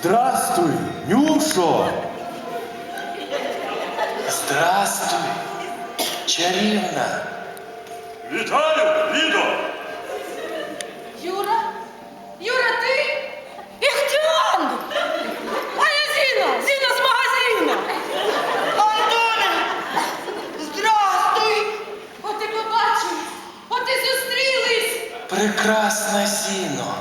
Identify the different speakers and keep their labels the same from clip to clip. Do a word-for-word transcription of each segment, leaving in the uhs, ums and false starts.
Speaker 1: Здрастуй, Нюшо!
Speaker 2: Здрастуй, чарівна.
Speaker 3: Вітаю, Лідо!
Speaker 4: Юра? Юра, ти? Іхтіан! А я Зіна! Зіна з магазину!
Speaker 5: Антоне! Здрастуй!
Speaker 4: От і побачились! От і зустрілись!
Speaker 2: Прекрасна Зіно.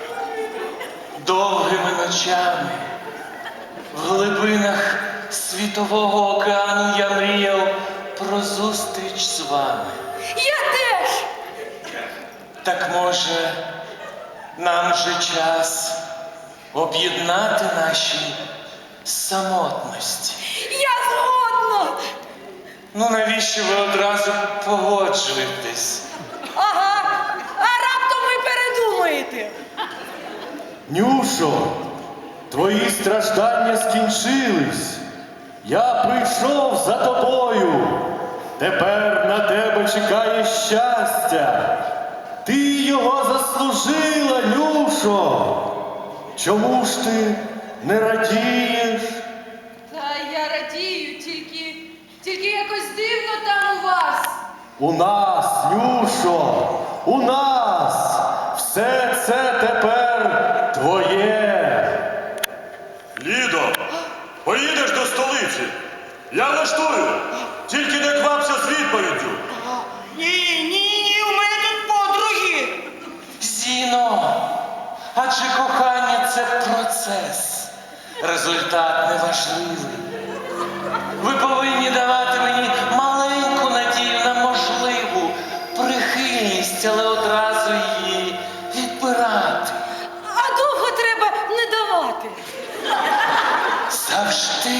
Speaker 2: Довгими ночами в глибинах світового океану я мріяв про зустріч з вами.
Speaker 4: Я теж!
Speaker 2: Так може, нам же час об'єднати наші самотності?
Speaker 4: Я згодна!
Speaker 2: Ну навіщо ви одразу погоджуєтесь?
Speaker 4: Ага! А раптом ви передумаєте!
Speaker 1: Нюшо, твої страждання скінчились. Я прийшов за тобою. Тепер на тебе чекає щастя. Ти його заслужила, Нюшо. Чому ж ти не радієш?
Speaker 4: Та я радію, тільки, тільки якось дивно там у вас.
Speaker 1: У нас, Нюшо, у нас. Все це тепер твоє.
Speaker 3: Лідо, поїдеш до столиці. Я влаштую. Тільки не квапся з відповіддю.
Speaker 5: Ні, ні, ні, у мене тут подруги.
Speaker 2: Зіно, адже кохання – це процес. Результат неважливий. Ви повинні давати мені маленьку надію на можливу прихильність, але одразу її відбирати.
Speaker 4: А довго треба не давати.
Speaker 2: Завжди.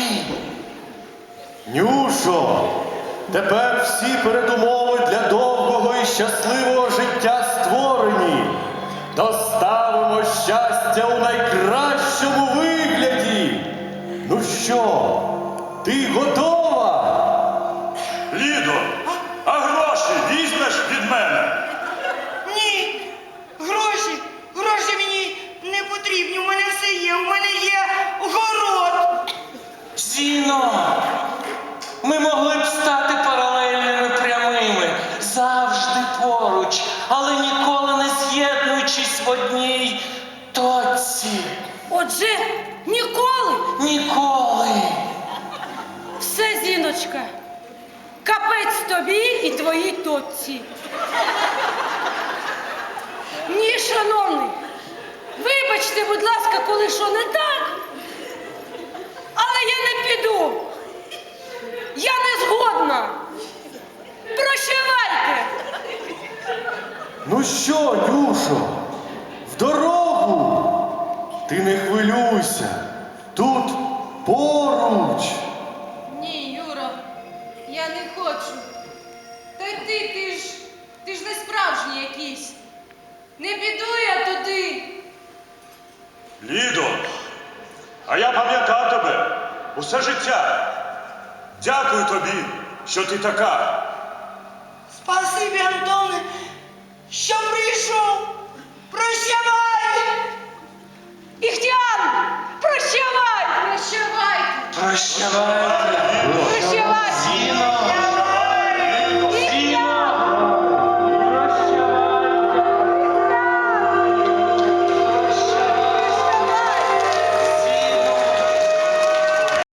Speaker 1: Нюшо, тепер всі передумови для довгого і щасливого життя створені. Доставимо щастя у найкращому вигляді. Ну що, ти готова?
Speaker 3: Лідо, а гроші візьмеш від мене?
Speaker 5: Ні, гроші, гроші мені не потрібні. У мене все є, у мене є город.
Speaker 2: Зіно, ми могли б стати паралельними прямими, завжди поруч, але ніколи не з'єднуючись в одній точці.
Speaker 4: Отже, ніколи.
Speaker 2: Ніколи.
Speaker 4: Все, Зіночка. Капець тобі і твоїй тотці. Ні, шановний. Вибачте, будь ласка, коли що не так. Але я не піду. Я не згодна. Прощавайте.
Speaker 1: Ну що, Нюшо, в дорогу? Ти не хвилюйся, тут поруч.
Speaker 4: Ні, Юро, я не хочу. Та й ти, ти ж, ти ж не справжній якийсь. Не піду я туди.
Speaker 3: Лідо, а я пам'ятав тебе усе життя. Дякую тобі, що ти така.
Speaker 5: Спасибі, Антоне, що прийшов. Прощавай!
Speaker 4: Іхтіан, прощавай! Прощавайте!
Speaker 2: Прощавайте.
Speaker 4: Прощавайте!
Speaker 2: Зіно.